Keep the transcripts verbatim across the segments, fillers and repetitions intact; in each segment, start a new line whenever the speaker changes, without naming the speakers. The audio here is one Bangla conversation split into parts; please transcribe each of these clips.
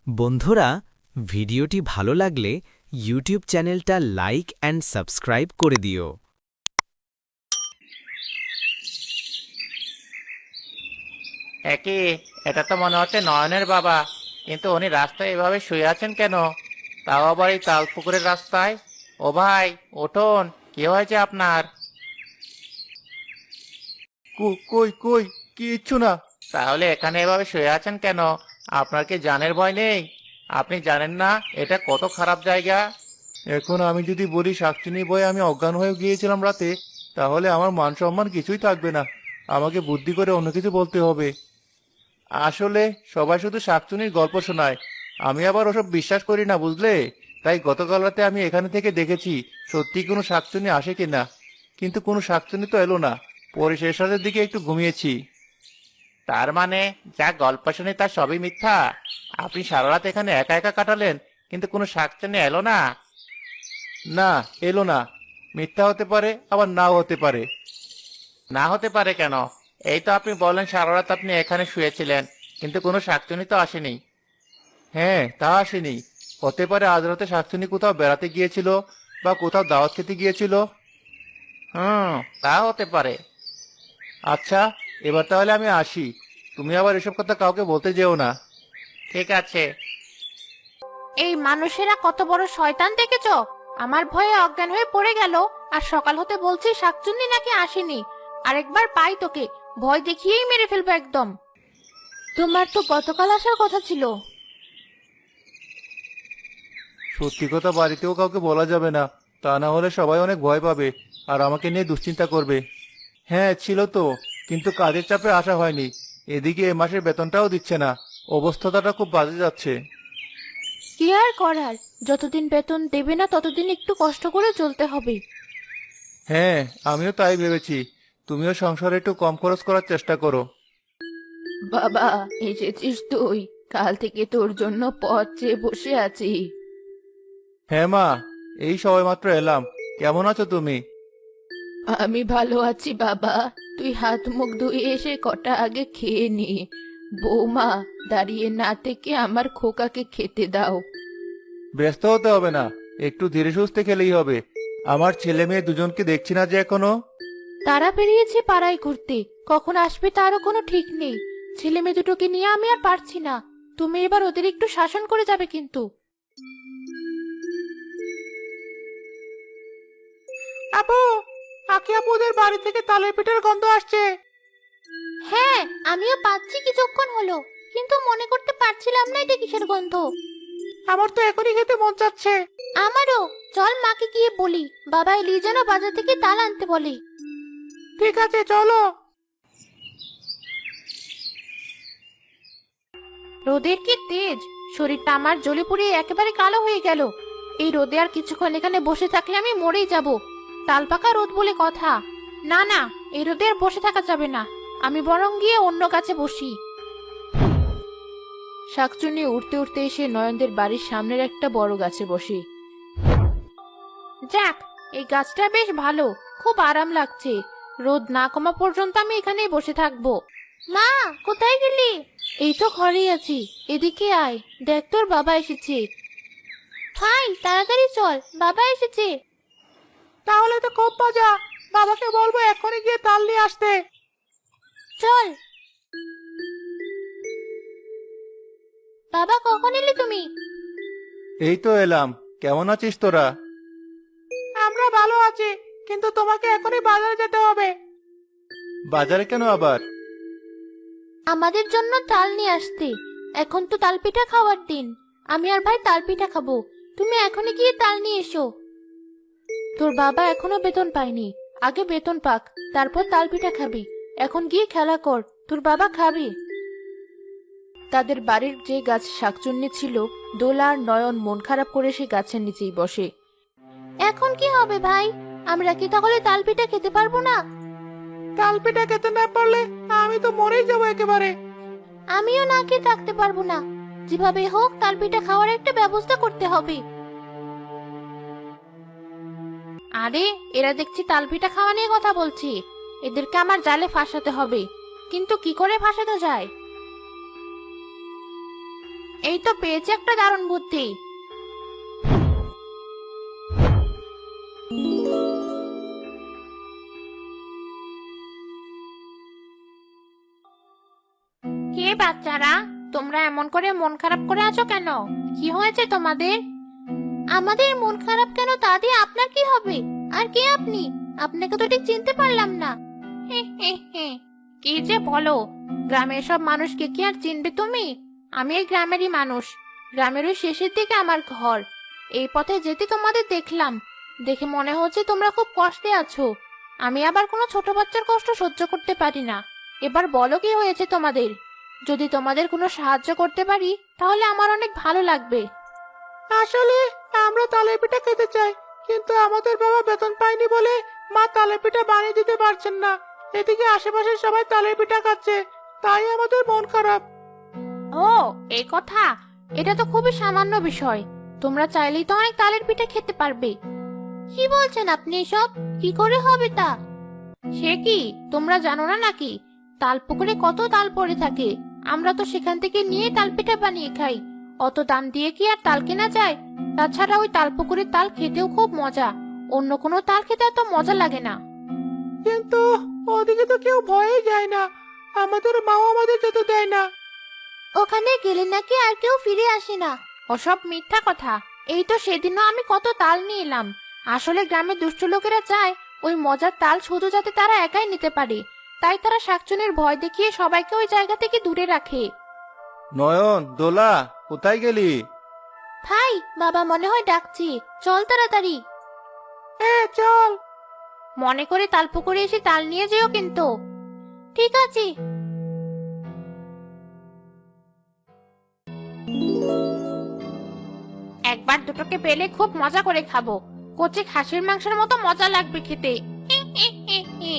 বন্ধুরা, ভিডিওটি ভালো লাগলে ইউটিউব চ্যানেলটা লাইক অ্যান্ড সাবস্ক্রাইব করে দিও।
একি, এটা তো মনে হচ্ছে নয়নের বাবা। কিন্তু উনি রাস্তায় এভাবে শুয়ে আছেন কেন? তাও আবার এই তাল পুকুরের রাস্তায়। ও ভাই, উঠুন, কি হয়েছে আপনার?
কো- কই কই কিচ্ছু না।
তাহলে এখানে এভাবে শুয়ে আছেন কেন? আপনার কি জানের ভয় নেই? আপনি জানেন না এটা কত খারাপ জায়গা?
এখন আমি যদি বলি শাকচুনি বয়ে আমি অজ্ঞান হয়ে গিয়েছিলাম রাতে, তাহলে আমার মান সম্মান কিছুই থাকবে না। আমাকে বুদ্ধি করে অন্য কিছু বলতে হবে। আসলে সবাই শুধু শাকচুনির গল্প শোনায়, আমি আবার ওসব বিশ্বাস করি না, বুঝলে? তাই গতকাল রাতে আমি এখানে থেকে দেখেছি সত্যি কোনো শাকচুনি আসে কিনা। কিন্তু কোনো শাকচুনি তো এলো না। পরে শেষ রাতের দিকে একটু ঘুমিয়েছি।
তার মানে যা গল্প শুনে তার সবই মিথ্যা? আপনি সারা রাত এখানে একা একা কাটালেন, কিন্তু কোনো শাকচুন্নি এলো না?
না, এলো না। মিথ্যা হতে পারে, আবার নাও হতে পারে।
না হতে পারে কেন? এই তো আপনি বললেন সারা রাত আপনি এখানে শুয়েছিলেন, কিন্তু কোনো শাকচুনি তো আসেনি।
হ্যাঁ, তা আসেনি। হতে পারে আজ রাতে শাকচুনি কোথাও বেড়াতে গিয়েছিল, বা কোথাও দাওয়াত খেতে গিয়েছিল।
হুম, তা হতে পারে।
আচ্ছা, এবার তাহলে আমি আসি। তুমি আবার এসব কথা কাউকে বলতে যেও না।
ঠিক আছে।
এই মানুষেরা কত বড় শয়তান দেখেছ। আমার ভয়ে অজ্ঞান হয়ে পড়ে গেল, আর সকাল হতে বলছি শাকচুন্নি নাকি আসেনি। আরেকবার পাই তোকে, ভয় দেখিয়েই মেরে ফেলবো একদম। তোমার তো গতকাল আসার কথা ছিল।
সত্যি কথা বাড়িতেও কাউকে বলা যাবে না, তা না হলে সবাই অনেক ভয় পাবে আর আমাকে নিয়ে দুশ্চিন্তা করবে। হ্যাঁ, ছিল তো, কিন্তু কাজের চাপে আসা হয়নি। এদিকে এ মাসের বেতনটাও দিচ্ছে না। অবস্থাটা খুব বাজে যাচ্ছে।
কি আর করার, যতদিন বেতন দেবে না ততদিন একটু কষ্ট করে চলতে হবে।
হ্যাঁ, আমিও তাই ভেবেছি। তুমিও সংসারে একটু কম খরচ করার চেষ্টা করো।
বাবা, এসেছিস তুই? কাল থেকে তোর জন্য পথ চেয়ে বসে আছি।
হ্যাঁ মা, এই সবেমাত্র এলাম। কেমন আছো তুমি?
আমি ভালো আছি বাবা। তুই হাত মুখ ধুয়ে এসে কটা আগে খেয়ে নি। বৌমা, দাঁড়িয়ে না থেকে আমার খোকাকে খেতে দাও।
ব্যস্ত হতে হবে না, একটু ধীরে সুস্থে খেলেই হবে। আমার ছেলে মেয়ে দুজনকে দেখছি না যে এখনো।
তারা বেরিয়েছে পাড়ায় ঘুরতে, কখন আসবে তারও কোনো ঠিক নেই। ছেলে মেয়ে দুটোকে নিয়ে আমি আর পারছি না। তুমি এবার ওদের একটু শাসন করে যাবে কিন্তু।
আপু, আকি আপুদের বাড়ি থেকে তালের পিঠার গন্ধ আসছে।
হ্যাঁ, আমিও পাচ্ছি কিছুক্ষণ হলো, কিন্তু মনে করতে পারছিলাম না এটা কিসের গন্ধ।
আমার তো এখনই খেতে মন চাচ্ছে।
আমারও। চল মাকে গিয়ে বলি, বাবা এলি যেন বাজার থেকে তাল আনতে বলে।
ঠিক আছে, চলো।
রোদের কি তেজ! শরীরটা আমার জ্বলে পুড়িয়ে একেবারে কালো হয়ে গেল। এই রোদে আর কিছুক্ষণ এখানে বসে থাকলে আমি মরেই যাব। তাল পাকা রোদ বলে কথা। না না, এই রোদে আর বসে থাকা যাবে না। আমি বরং গিয়ে অন্য গাছে বসি। শাকচুন্নি উঠতে উঠতে এসে নয়নদের বাড়ির সামনের একটা বড় গাছে বসে। যাক, এই গাছটা বেশ ভালো, খুব আরাম লাগছে। রোদ না কমা পর্যন্ত আমি এখানেই বসে থাকবো। মা, কোথায় গেলি? এই তো ঘরেই আছি। এদিকে আয়, দেখ তোর বাবা এসেছে। হাই, তাড়াতাড়ি চল, বাবা এসেছে।
তাহলে তো খুব মজা। বাবাকে বলবো এখনই গিয়ে তাল নিয়ে আসতে।
চল। বাবা, কখন এলি তুমি?
এই তো এলাম। কেমন আছিস তোরা?
আমরা ভালো আছি, কিন্তু তোমাকে এখনই বাজারে যেতে হবে।
বাজারে কেন আবার?
আমাদের জন্য তাল নিয়ে আসতে। এখন তো তাল পিঠা খাওয়ার দিন। আমি আর ভাই তাল পিঠা খাবো। তুমি এখনই গিয়ে তাল নিয়ে এসো। তোর বাবা এখনো বেতন পায়নি। আগে বেতন পাক, তারপর তাল পিঠা খাবি। এখন গিয়ে খেলা কর, তোর বাবা খাবে। তাদের বাড়ির যে গাছ শাকচুন্নি ছিল, দোলা আর নয়ন মন খারাপ করে সে গাছের নিচেই বসে। এখন কি হবে ভাই? আমরা কি তাহলে তাল পিঠা খেতে পারবো না?
তাল পিঠা খেতে না পারলে আমি তো মরেই যাবো একেবারে।
আমিও না খেয়ে থাকতে পারবো না। যেভাবে হোক তাল পিঠা খাওয়ার একটা ব্যবস্থা করতে হবে। আরে, এরা দেখছি তাল পিঠা খাওয়া নিয়ে কথা বলছি। এদেরকে আমার জালে ফাঁসাতে হবে। কিন্তু কি করে ফাঁসাতে যায়? এই তো পেয়েছি একটা দারুণ বুদ্ধি। কে বাচ্চারা, তোমরা এমন করে মন খারাপ করে আছো কেন? কি হয়েছে তোমাদের? আমাদের মন খারাপ কেন তা দিয়ে আপনার কি হবে? আর কে আপনি? আপনাকে তো ঠিক চিনতে পারলাম না। হে হে হে, কি যে বলো! গ্রামের সব মানুষকে কি আর চিনবে তুমি? আমি এই গ্রামেরই মানুষ। গ্রামের ওই শেষের দিকে আমার ঘর। এই পথে যেতে তোমাদের দেখলাম, দেখে মনে হচ্ছে তোমরা খুব কষ্টে আছো। আমি আবার কোনো ছোট বাচ্চার কষ্ট সহ্য করতে পারি না। এবার বলো কি হয়েছে তোমাদের? যদি তোমাদের কোনো সাহায্য করতে পারি তাহলে আমার অনেক ভালো লাগবে।
আসলে আমরা তালের পিঠা খেতে চাই, কিন্তু আমাদের বাবা বেতন পায়নি বলে মা তালের পিঠা বানিয়ে দিতে পারছেন না। এদিকে আশেপাশে সবাই তালের পিঠা খাচ্ছে, তাই আমাদের মন খারাপ।
ও, এই কথা! এটা তো খুবই সামান্য বিষয়। তোমরা চাইলেই তো অনেক তালের পিঠা খেতে পারবে। কি বলছেন আপনি এসব? কি করে হবে তা? সে কি, তোমরা জানো না নাকি? তাল পুকুরে কত তাল পড়ে থাকে, আমরা তো সেখান থেকে নিয়ে তাল পিঠা বানিয়ে খাই। অত দাম দিয়ে কি আর তাল কেনা যায়? তাছাড়া ওই তাল পুকুরের তাল খেতেও খুব মজা। অন্য কোনো তাল খেতে এত মজা লাগে না।
কিন্তু ওদিকে তো কেউ ভয়ে যায় না, আমাদের মাও আমাদের যেতে দেয় না।
ওখানে গেলে নাকি আর কেউ ফিরে আসে না। ওসব মিথ্যা কথা। এই তো সেদিনও আমি কত তাল নিয়ে এলাম। আসলে গ্রামের দুষ্ট লোকেরা চায় ওই মজার তাল শুধু যাতে তারা একাই নিতে পারে, তাই তারা শাকচুনির ভয় দেখিয়ে সবাইকে ওই জায়গা থেকে দূরে রাখে।
নয়ন, দোলা, কোথায় গেলি?
ভাই, বাবা মনে হয় ডাকছি, চল তাড়াতাড়ি।
হ্যাঁ চল।
মনে করে তাল পুকুরে এসে তাল নিয়ে যেও কিন্তু। ঠিক আছে। একবার দুটোকে পেলে খুব মজা করে খাবো। কচি খাসির মাংসের মতো মজা লাগবে খেতে। হি হি হি হি।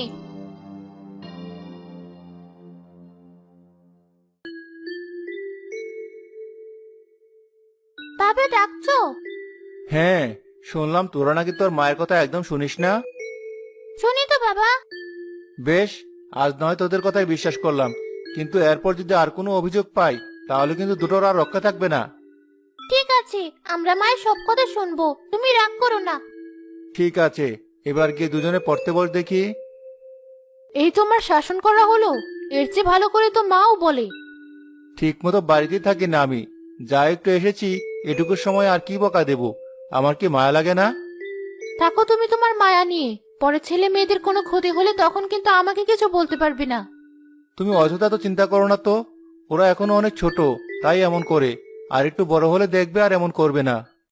বাবা ডাকছো?
হ্যাঁ, শুনলাম তোরা নাকি তোর মায়ের কথা একদম শুনিস না।
শুনি তো বাবা।
বেশ, আজ নয় তোদের কথাই বিশ্বাস করলাম, কিন্তু এরপর যদি আর কোনো অভিযোগ পাই তাহলে কিন্তু দুটোর আর রক্ষা থাকবে না।
ঠিক আছে, আমরা মায়ের সব কথা শুনবো, তুমি রাগ করো না।
ঠিক আছে, এবার গিয়ে দুজনে পড়তে বস দেখি।
এই তোমার শাসন করা হলো? এর চেয়ে ভালো করে তো মাও বলে।
ঠিক মতো বাড়িতেই থাকি না আমি, যা একটু এসেছি এটুকু সময় আর কি বকা দেব? আমার কি মায়া লাগে না?
থাকো তুমি তোমার মায়া নিয়ে। পরে ছেলে মেয়েদের কোনো ক্ষতি হলে তখন কিন্তু আমাকে কিছু বলতে পারবে না।
তুমি অযথা তো চিন্তা করো না তো, ওরা এখনো অনেক ছোট, তাই এমন করে। আর একটু বড় হলে দেখবে আর এমন করবে না।